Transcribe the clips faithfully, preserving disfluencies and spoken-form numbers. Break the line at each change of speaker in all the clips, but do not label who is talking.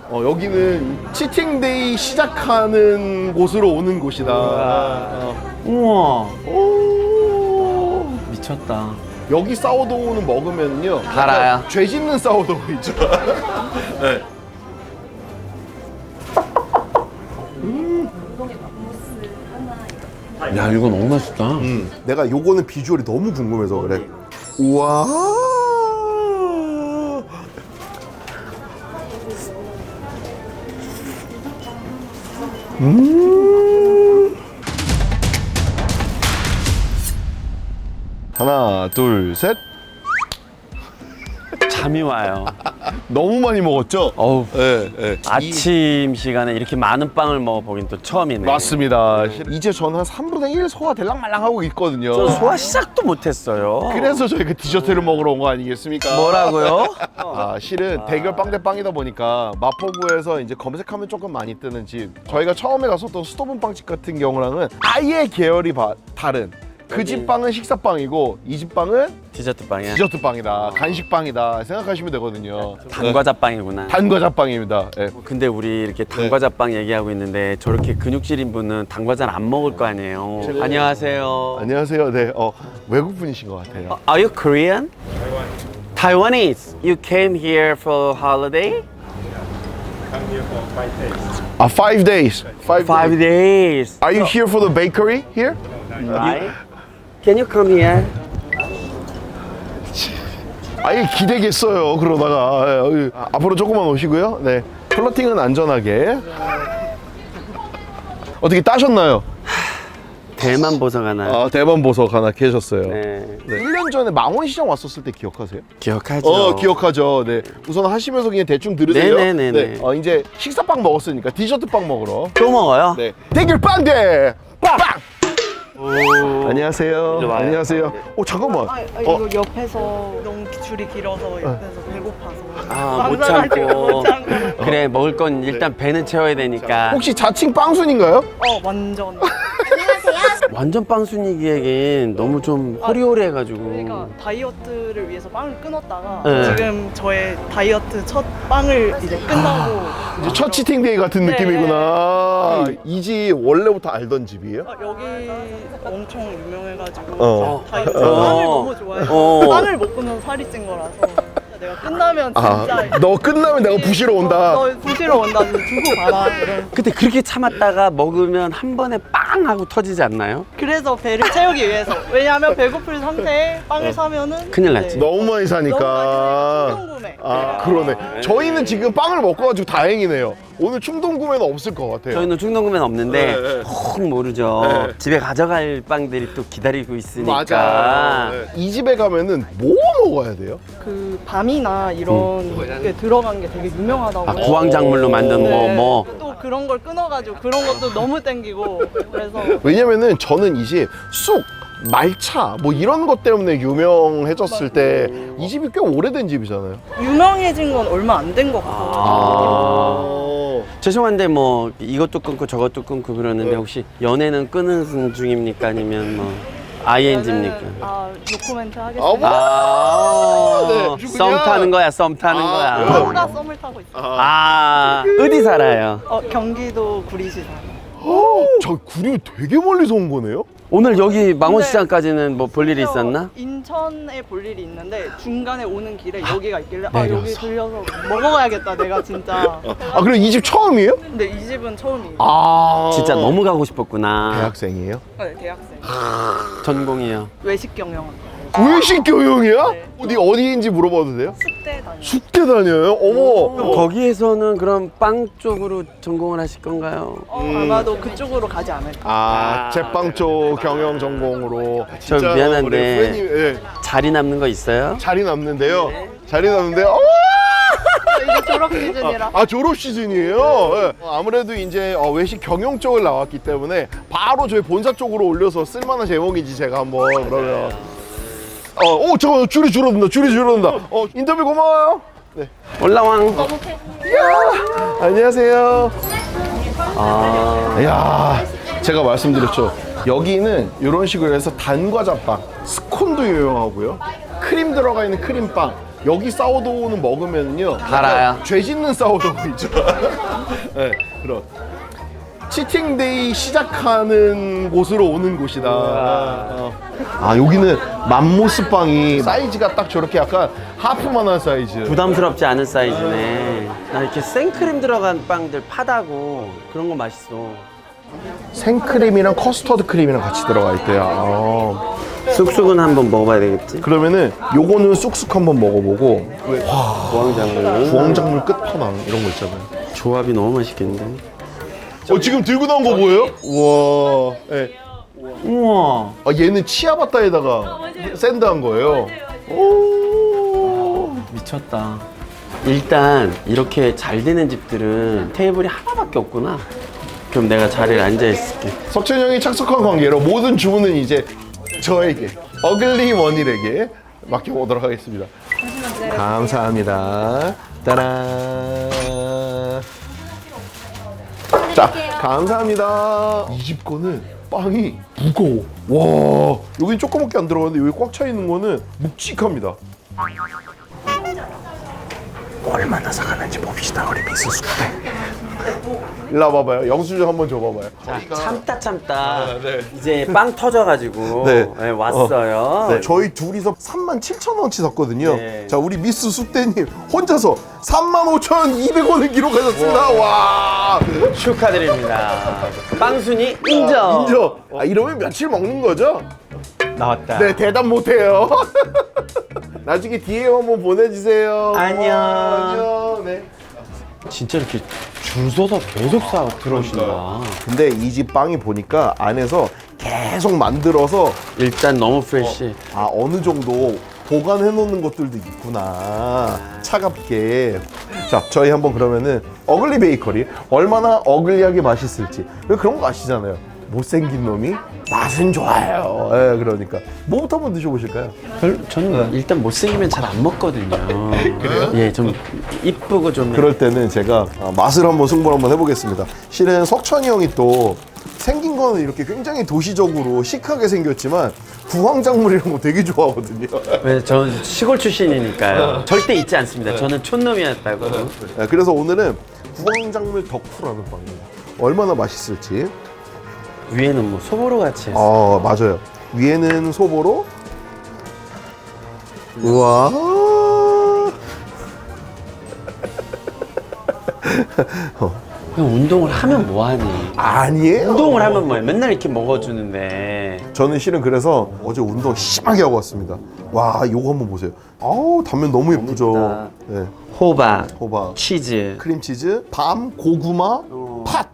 어, 여기는 치팅데이 시작하는 곳으로 오는 곳이다. 어.
우와.
오.
미쳤다.
여기 사워도우는 먹으면요.
달아요.
죄 짓는 사워도우이죠. 네.
야, 이거 너무 맛있다.
음, 내가 요거는 비주얼이 너무 궁금해서 그래. 우와. 음. 하나, 둘, 셋.
잠이 와요.
너무 많이 먹었죠?
어우.
네, 네.
아침 시간에 이렇게 많은 빵을 먹어보긴 또 처음이네.
맞습니다. 이제 저는 한 삼분의 일 소화 될랑말랑 하고 있거든요.
저 소화 시작도 못했어요.
그래서 저희가 디저트를 먹으러 온 거 아니겠습니까?
뭐라고요?
아, 실은 대결 빵 대 빵이다 보니까 마포구에서 이제 검색하면 조금 많이 뜨는 집, 저희가 처음에 갔었던 수도분 빵집 같은 경우랑은 아예 계열이 바, 다른 그 집 빵은 식사빵이고 이 집 빵은
디저트 빵이야.
디저트 빵이다, 간식 빵이다 생각하시면 되거든요.
단과자 빵이구나.
단과자 빵입니다. 네.
근데 우리 이렇게 단과자 빵 얘기하고 있는데 저렇게 근육질인 분은 단과자를 안 먹을 거 아니에요. 안녕하세요.
안녕하세요. 네, 어, 외국 분이신 것 같아요.
Are you Korean? Taiwanese. You came here for holiday?
아, five days. Five,
Five
days.
days.
Are you here for the bakery here?
Right? Can you come here?
아예 기대겠어요. 그러다가 예, 여기 앞으로 조금만 오시고요. 네, 플러팅은 안전하게. 어떻게 따셨나요?
대만 보석 하나.
아, 대만 보석 하나 계셨어요. 네.
네.
일 년 전에 망원시장 왔었을 때 기억하세요?
기억하죠.
어, 기억하죠. 네. 우선 하시면서 그냥 대충 들으세요.
네네네네.
어, 이제 식사빵 먹었으니까 디저트 빵 먹으러.
또 먹어요?
네. 대결 빵대 빵.
오.
안녕하세요.
이리 와요.
안녕하세요. 어, 잠깐만.
아, 아,
어,
이거 옆에서 너무 줄이 길어서 옆에서 배고파서
아, 못
망설여가지고
참고.
못 참고.
그래, 먹을 건 일단 배는 채워야 되니까.
혹시 자칭 빵순인가요?
어 완전
완전 빵순이기에겐 너무 좀 호리호리해가지고.
그러니까 다이어트를 위해서 빵을 끊었다가
네.
지금 저의 다이어트 첫 빵을 이제 끝나고
이제 첫 치팅데이 같은
네.
느낌이구나. 이 집 원래부터 알던 집이에요?
어, 여기 엄청 유명해가지고
어.
다이어트
어.
빵을 너무 좋아해서
어.
빵을 못 끊어서 살이 찐 거라서 내가 끝나면 진짜
아, 너 끝나면 내가 부시러 온다.
너, 너 부시러 온다 두고 봐라 이런.
근데 그렇게 참았다가 먹으면 한 번에 빵 하고 터지지 않나요?
그래서 배를 채우기 위해서. 왜냐하면 배고플 상태에 빵을 사면은
큰일 났지.
너무 많이
너무
사니까.
많이 충동 구매.
아, 그러네. 저희는 지금 빵을 먹고 가지고 다행이네요. 오늘 충동 구매는 없을 것 같아요.
저희는 충동구매는 없는데
네, 네.
혹 모르죠.
네.
집에 가져갈 빵들이 또 기다리고 있으니까.
맞아. 네. 이 집에 가면은 뭐 먹어야 돼요?
그 밤이나 이런 게 들어간 게 되게 유명하다고.
아, 구황작물로 만든 뭐
네.
뭐.
또 그런 걸 끊어가지고 그런 것도 너무 땡기고 그래서
왜냐면은 저는 이 집 쑥, 말차 뭐 이런 것 때문에 유명해졌을 때 이 집이 꽤 오래된 집이잖아요.
유명해진 건 얼마 안 된 것 같아요.
아.
죄송한데 뭐 이것도 끊고 저것도 끊고 그러는데
네.
혹시 연애는 끊은 중입니까 아니면 뭐 아이엔지입니까?
아 노코멘트
아,
하겠습니다.
뭐?
아,
네,
썸
누구냐?
타는 거야, 썸 타는
아,
거야.
그래요?
서울과 썸을 타고 있어요.
아, 어디 살아요?
어, 경기도 구리시 살아요.
어, 저 구리 되게 멀리서 온 거네요?
오늘 여기 망원시장까지는 뭐 볼 일이 있었나?
인천에 볼 일이 있는데 중간에 오는 길에 여기가 있길래 아
내려서.
여기 들려서 먹어가야겠다 내가 진짜.
아, 그럼 이 집 처음이에요?
근데 이 집은 처음이에요.
아.
진짜 너무 가고 싶었구나.
대학생이에요?
네, 대학생.
전공이요.
외식 경영.
외식 교육이야?
네.
어디 어디인지 물어봐도 돼요?
숙대 다녀.
숙대 다녀요? 어머.
그럼 거기에서는 그럼 빵 쪽으로 전공을 하실 건가요?
어, 아마도 그쪽으로 가지 않을까.
아, 제빵 쪽 경영 전공으로.
저
진짜
미안한데.
우리 후배님, 예,
자리 남는 거 있어요?
자리 남는데요. 자리 남는데, 어!
이제 졸업 시즌이라.
아, 졸업 시즌이에요. 예. 어, 아무래도 이제 어, 외식 경영 쪽을 나왔기 때문에 바로 저희 본사 쪽으로 올려서 쓸만한 제목이지 제가 한번 그러면. 어, 오, 잠깐 줄이 줄어든다. 줄이 줄어든다. 어, 인터뷰 고마워요. 네.
올라왕.
이야, 안녕하세요.
아,
야, 제가 말씀드렸죠. 여기는 이런 식으로 해서 단과자빵, 스콘도 유명하고요. 크림 들어가 있는 크림빵, 여기 사워도우는 먹으면요
달아요.
죄 짓는 사워도우 있죠. 네, 그런 치팅데이 시작하는 곳으로 오는 곳이다. 어. 아 여기는 맘모스 빵이 사이즈가 딱 저렇게 약간 하프만한 사이즈.
부담스럽지 않은 사이즈네. 나 이렇게 생크림 들어간 빵들 파다고 그런 거 맛있어.
생크림이랑 커스터드 크림이랑 같이 들어가 있대요. 아.
쑥쑥은 한번 먹어봐야 되겠지.
그러면은 요거는 쑥쑥 한번 먹어보고
부황작물.
부황작물 끝판왕 이런 거 있잖아요.
조합이 너무 맛있겠는데.
어 지금 들고 나온 거 보여요? 우와. 네.
우와.
아 얘는 치아바타에다가 샌드한 거예요. 오.
미쳤다. 일단 이렇게 잘 되는 집들은 테이블이 하나밖에 없구나. 그럼 내가 자리에 앉아 있을게.
석천 형이 착석한 관계로 모든 주문은 이제 저에게 어글리 원일에게 맡겨보도록 하겠습니다. 감사합니다. 따란. 자, 감사합니다. 이 집 거는 빵이 무거워. 와, 여긴 조그맣게 안 들어가는데 여기 꽉 차 있는 거는 묵직합니다. 얼마나 사가는지 봅시다, 우리 미스 숙대. 일로 와봐봐요. 영수증 한번 줘봐봐요.
자, 참다 참다.
네.
이제 빵 터져가지고
네.
네, 왔어요.
네, 저희 둘이서 삼만 칠천 원치 샀거든요.
네.
자, 우리 미스 숙대님 혼자서 삼만 오천이백 원을 기록하셨습니다. 와,
축하드립니다. 빵순이 인정.
인정. 아, 이러면 며칠 먹는 거죠?
나왔다.
네, 대답 못해요. 나중에 디엠 한번 보내주세요.
안녕.
안녕. 네.
진짜 이렇게 줄 서서 계속 사 들어오신다.
근데 이 집 빵이 보니까 안에서 계속 만들어서
일단 너무 프레시.
아 어느 정도 보관해 놓는 것들도 있구나. 차갑게. 자, 저희 한번 그러면은 어글리 베이커리 얼마나 어글리하게 맛있을지. 왜 그런 거 아시잖아요. 못생긴 놈이 맛은 좋아요. 예, 그러니까 뭐부터 한번 드셔보실까요?
별, 저는 일단 못생기면 잘 안 먹거든요. 그래요? 예, 좀 이쁘고 좀.
그럴 때는 제가 아, 맛을 한번 승부를 한번 해보겠습니다. 실은 석천이 형이 또 생긴 거는 이렇게 굉장히 도시적으로 시크하게 생겼지만 부황작물 이런 거 되게 좋아하거든요.
왜 저는 시골 출신이니까요. 절대 잊지 않습니다. 저는 촌놈이었다고.
네, 그래서 오늘은 부황작물 덕후라는 빵이에요. 얼마나 맛있을지.
위에는 뭐 소보로 같이 했어.
아 맞아요. 위에는 소보로. 우와.
그냥 운동을 하면 뭐하니?
아니에요.
운동을 하면 뭐해? 맨날 이렇게 먹어주는데.
저는 실은 그래서 어제 운동 심하게 하고 왔습니다. 와, 요거 한번 보세요. 아우, 단면 너무 예쁘죠. 네.
호박,
호박,
치즈.
크림치즈, 밤, 고구마, 팥.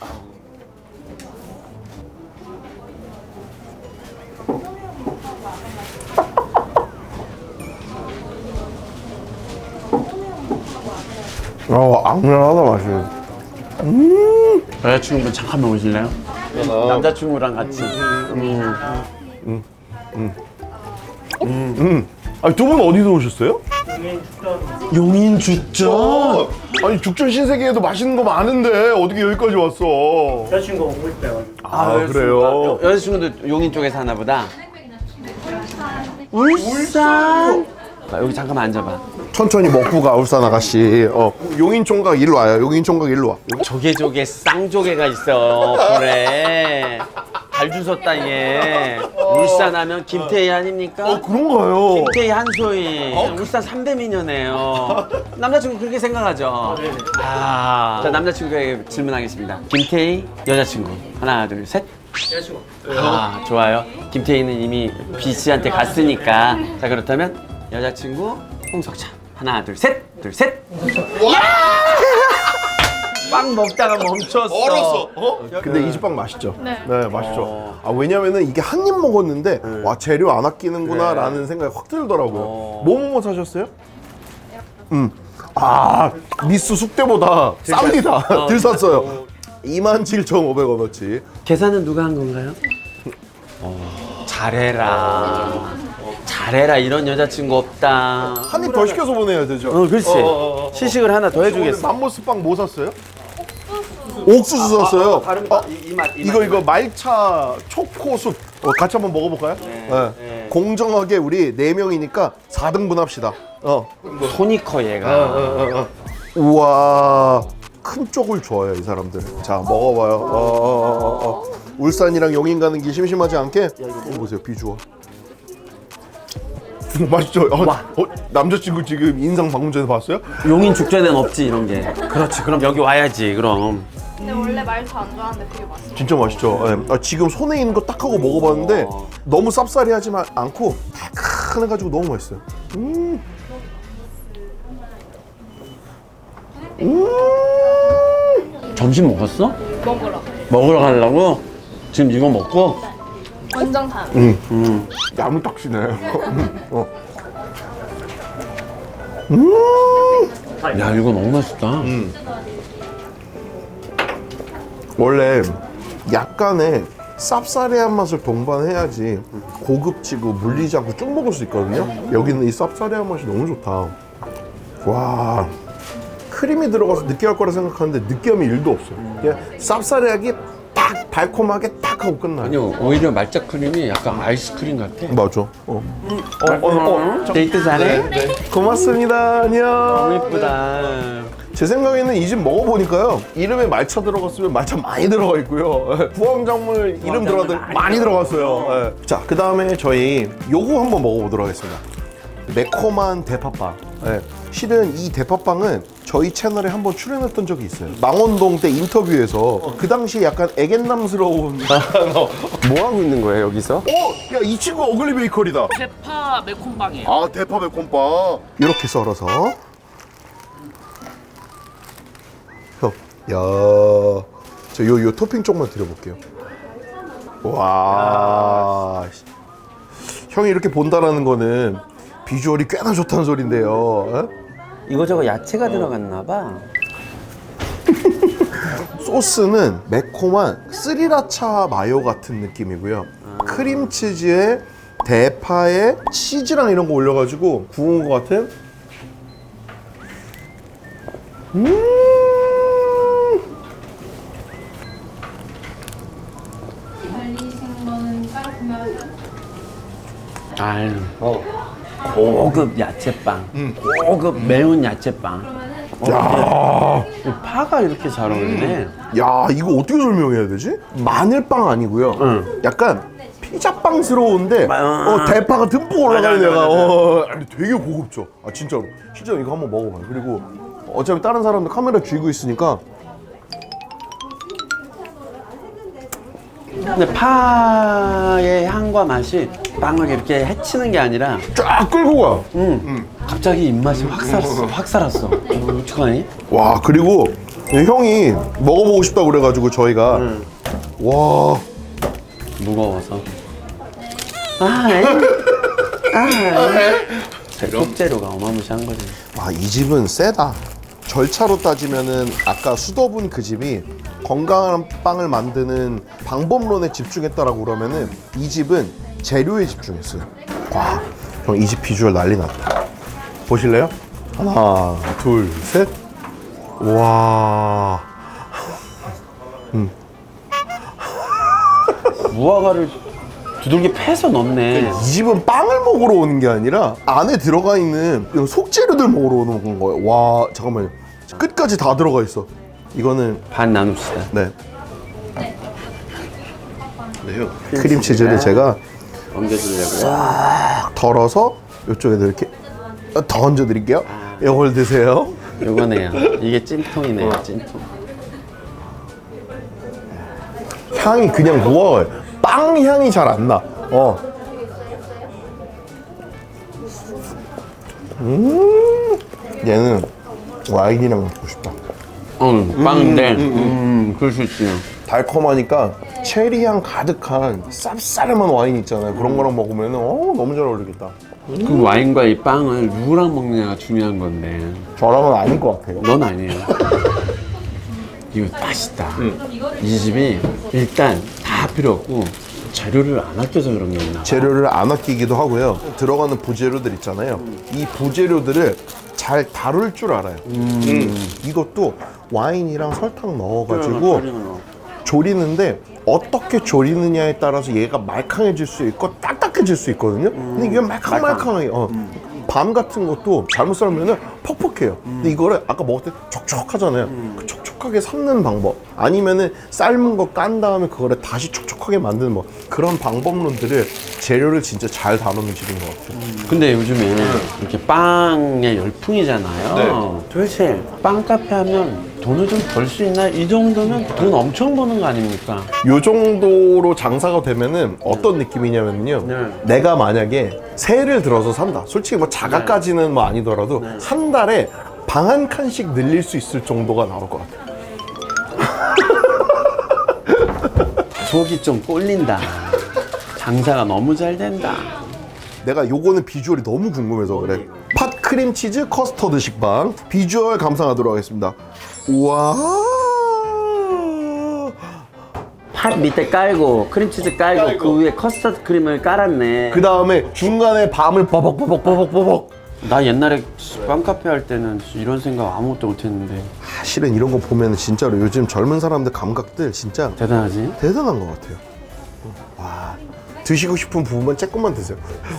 어, 앙증하다 맛이.
여자친구분 잠깐만 오실래요? 남자친구랑 같이.
아니, 두 분 어디서 오셨어요?
용인 죽전.
아니, 죽전 신세계에도 맛있는 거 많은데 어떻게 여기까지 왔어?
여자친구 오고 있대요.
아, 그래요?
여자친구도 용인 쪽에 사나 보다. 울산. 아, 여기 잠깐만 앉아봐.
천천히 먹고 가, 울산 아가씨. 어, 용인 총각 일로 와요. 용인 총각 일로 와.
조개조개 쌍조개가 있어. 그래. 잘 주웠다 얘. 울산 하면 김태희 아닙니까?
어, 그런가요?
김태희 한소희. 울산 삼 대 미녀네요. 남자친구 그렇게 생각하죠? 아. 자, 남자친구에게 질문하겠습니다. 김태희 여자친구. 하나, 둘, 셋.
여자친구.
아, 좋아요. 김태희는 이미 B 씨한테 갔으니까. 자, 그렇다면 여자친구 홍석찬. 하나, 둘, 셋. 둘, 셋. 빵 먹다가 멈췄어.
얼었어. 어? 근데 이 집 빵 맛있죠?
네.
네, 맛있죠. 아, 왜냐면은 이게 한 입 먹었는데 와, 재료 안 아끼는구나라는 생각이 확 들더라고요. 뭐뭐 사셨어요? 음. 아, 미스 숙대보다 쌉니다. 들 샀어요. 이만 칠천오백 원어치.
계산은 누가 한 건가요? 어, 잘해라. 잘해라. 이런 여자친구 없다.
한 입 더 시켜서 보내야 되죠?
어, 그렇지.
어, 어, 어.
시식을 하나 더 해주겠어.
맘모스 빵 뭐 샀어요? 옥수수 샀어요.
다른
어,
이, 이 맛, 이
이거
맛.
이거 말차 초코숲 어, 같이 한번 먹어볼까요? 네.
네.
공정하게 우리 네 명이니까 사 등분 합시다. 어.
손이 커 얘가.
어, 어, 어. 우와, 큰 쪽을 좋아해요 이 사람들. 자, 먹어봐요. 어, 어, 어, 어. 울산이랑 용인 가는 길 심심하지 않게. 이거 보세요, 비주얼. 맛있죠? 어, 어, 남자친구 지금 인상 방금 전에 봤어요?
용인 죽전에는 없지 이런 게. 그렇지. 그럼 여기 와야지. 그럼.
근데 원래 말차 안 좋아하는데 되게 맛있어.
진짜 맛있죠? 예. 아, 지금 손에 있는 거 딱 하고 먹어봤는데 너무 쌉싸리하지 않고 달큰해가지고 너무 맛있어요. 음. 음.
점심 먹었어?
먹으러.
먹으러 가려고? 지금 이거 먹고?
원정 단.
음.
음.
야무딱지네. 어.
야 이거 너무 맛있다.
음. 원래 약간의 쌉싸리한 맛을 동반해야지 고급지고 물리지 않고 쭉 먹을 수 있거든요. 여기는 이 쌉싸리한 맛이 너무 좋다. 와, 크림이 들어가서 느끼할 거라 생각하는데 느끼함이 일도 없어요. 그냥 쌉싸리하게 딱 달콤하게 딱 하고 끝나요.
아니요 오히려 말차 크림이 약간 아이스크림 같아.
맞아. 어. 어, 어, 어.
데이트 잘해?
고맙습니다. 안녕.
너무 예쁘다.
제 생각에는 이 집 먹어보니까요, 이름에 말차 들어갔으면 말차 많이 들어가 있고요, 부황작물 이름 들어가도 많이 들어갔어요. 예. 자, 그 다음에 저희 요거 한번 먹어보도록 하겠습니다. 매콤한 대파빵. 예. 실은 이 대파빵은 저희 채널에 한번 출연했던 적이 있어요. 망원동 때 인터뷰에서 그 당시에 약간 애견남스러운
뭐 하고 있는 거예요 여기서?
어? 야, 이 친구 어글리 베이커리다.
대파 매콤빵이에요.
아, 대파 매콤빵. 이렇게 썰어서. 형, 야, 저 요 요 토핑 쪽만 드려볼게요. 와, 씨. 형이 이렇게 본다라는 거는 비주얼이 꽤나 좋다는 소린데요. 어?
이거저거 야채가 들어갔나 봐.
소스는 매콤한 스리라차 마요 같은 느낌이고요. 크림치즈에 대파에 치즈랑 이런 거 올려가지고 구운 것 같은. 음.
아유. 고급 야채빵. 고급 매운 야채빵. 야. 파가 이렇게 잘 어울리네.
야, 이거 어떻게 설명해야 되지? 마늘빵 아니고요.
응.
약간 피자빵스러운데
마-
어, 대파가 듬뿍 올라가는
맞아,
애가
맞아, 맞아.
어, 아니, 되게 고급져. 아, 진짜로. 실제로 이거 한번 먹어봐요. 그리고 어차피 다른 사람들 카메라 쥐고 있으니까.
근데 파의 향과 맛이 빵을 이렇게 해치는 게 아니라
쫙 끌고 가.
음, 갑자기 입맛이 확 살았어. 확 살았어. 어, 어떡하니?
와, 그리고 형이 먹어보고 싶다고 그래가지고 저희가
음.
와,
무거워서. 아, 에? 아, 에? 제 속재료가 어마무시한 거지.
와, 이 집은 세다. 절차로 따지면은 아까 수더분 그 집이 건강한 빵을 만드는 방법론에 집중했다라고 그러면은 이 집은 재료에 집중했어요. 와, 형 이 집 비주얼 난리 났다. 보실래요? 하나, 둘, 셋. 와.
무화과를 두들겨 패서 넣네.
이 집은 빵을 먹으러 오는 게 아니라 안에 들어가 있는 이런 속재료들 먹으러 오는 거예요. 와, 잠깐만요. 끝까지 다 들어가 있어. 이거는
반 나눕시다.
네. 네요. 크림치즈를 제가
옮겨주려고요.
덜어서 이쪽에다 이렇게 더 얹어 드릴게요. 이걸 드세요.
요거네요. 이게 찜통이네요. 찜통.
향이 그냥 무화과예요. 빵 향이 잘 안 나. 어. 음. 얘는 와인이랑 먹고 싶다.
응, 빵인데. 음, 그럴 수 있지.
달콤하니까 체리 향 가득한 쌉싸름한 와인 있잖아요. 그런 거랑 먹으면 어, 너무 잘 어울리겠다.
그 와인과 이 빵을 누구랑 먹느냐가 중요한 건데.
저랑은 아닌 것 같아요.
넌 아니에요. 이거 맛있다. 이 집이 일단 다 필요 없고 재료를 안 아껴서 그런 게 있나 봐.
재료를 안 아끼기도 하고요. 들어가는 부재료들 있잖아요. 이 부재료들을 잘 다룰 줄 알아요. 음. 이것도 와인이랑 설탕 넣어가지고 조리는데 어떻게 조리느냐에 따라서 얘가 말캉해질 수 있고 딱딱해질 수 있거든요. 근데 이게 말캉말캉하게 어. 밤 같은 것도 잘못 썰면은 퍽퍽해요. 근데 이거를 아까 먹을 때 촉촉하잖아요. 그 촉촉하게 삶는 방법 아니면은 삶은 거 깐 다음에 그거를 다시 촉촉하게 만드는 뭐 그런 방법론들을 재료를 진짜 잘 다루는 집인 것 같아요.
근데 요즘에 이렇게 빵에 열풍이잖아요.
네.
도대체 빵 카페 하면 돈을 좀 벌 수 있나? 이 정도면 돈 엄청 버는 거 아닙니까?
요 정도로 장사가 되면은 어떤 느낌이냐면요.
네.
내가 만약에 세를 들어서 산다. 솔직히 뭐 자가까지는 뭐 아니더라도 한 달에 방 한 칸씩 늘릴 수 있을 정도가 나올 것 같아요.
속이 좀 꼴린다. 장사가 너무 잘 된다.
내가 요거는 비주얼이 너무 궁금해서 그래. 팥 크림치즈 커스터드 식빵 비주얼 감상하도록 하겠습니다. 우와.
팥 밑에 깔고 크림치즈 깔고, 그 위에 커스터드 크림을 깔았네.
그 다음에 중간에 밤을 버벅버벅버벅버벅.
나 옛날에 빵 카페 할 때는 이런 생각 아무것도 못했는데.
아, 실은 이런 거 보면 진짜로 요즘 젊은 사람들 감각들 진짜
대단하지?
대단한 것 같아요. 와, 드시고 싶은 부분만 조금만 드세요.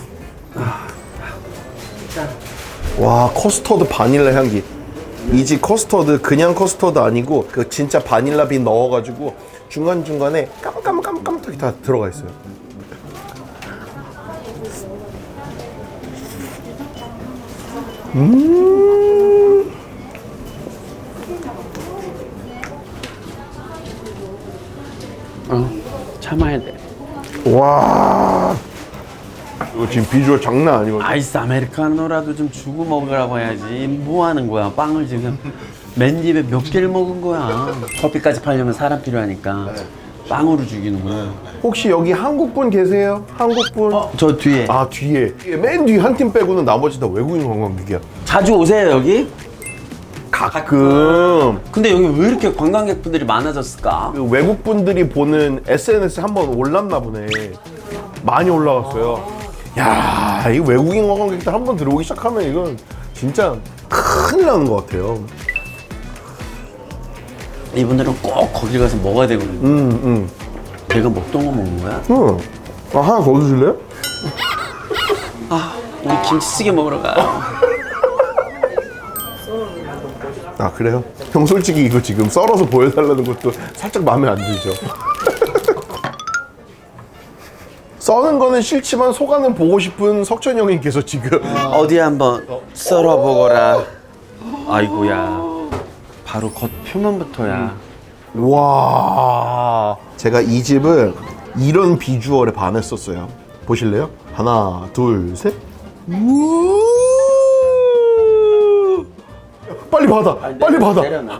와, 커스터드 바닐라 향기. 이 집 커스터드 그냥 커스터드 아니고 그 진짜 바닐라 빈 넣어가지고 중간 중간에 깜깜깜깜하게 다 들어가 있어요. 음.
어, 참아야 돼.
와. 이거 지금 비주얼 장난 아니거든요.
아이스 아메리카노라도 좀 주고 먹으라고 해야지. 뭐 하는 거야? 빵을 지금 맨 입에 몇 개를 먹은 거야. 커피까지 팔려면 사람 필요하니까 빵으로 죽이는 거야.
혹시 여기 한국분 계세요? 한국분?
저 뒤에.
아, 뒤에. 맨 뒤 한 팀 빼고는 나머지 다 외국인 관광객이야.
자주 오세요 여기?
가끔
근데 여기 왜 이렇게 관광객분들이 많아졌을까?
그 외국 분들이 보는 에스엔에스 한번 올랐나 보네. 많이 올라왔어요. 야, 이 외국인 관광객들 한번 들어오기 시작하면 이건 진짜 큰일 나는 것 같아요.
이분들은 꼭 거기 가서 먹어야 되거든요.
음, 음.
내가 먹던 거 먹는 거야?
음. 아, 하나 더 드실래요?
아, 우리 김치찌개 먹으러 가.
아, 그래요? 형 솔직히 이거 지금 썰어서 보여달라는 것도 살짝 마음에 안 들죠? 써는 거는 싫지만 속안은 보고 싶은 석천 형님께서 지금
어디 한번 썰어보거라. 아이고야. 바로 겉 표면부터야.
와, 제가 이 집을 이런 비주얼에 반했었어요. 보실래요? 하나, 둘, 셋. 우와. 빨리 받아, 빨리 받아.
내려놔.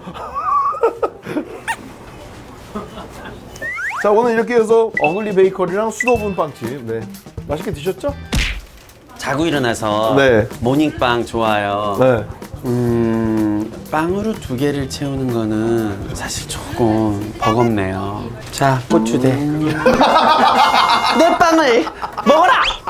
자, 오늘 이렇게 해서 어글리 베이커리랑 수도분 빵집, 네, 맛있게 드셨죠?
자고 일어나서
네.
모닝빵 좋아요.
네.
음, 빵으로 두 개를 채우는 거는 사실 조금 버겁네요. 자, 고추대. 내 빵을 먹어라!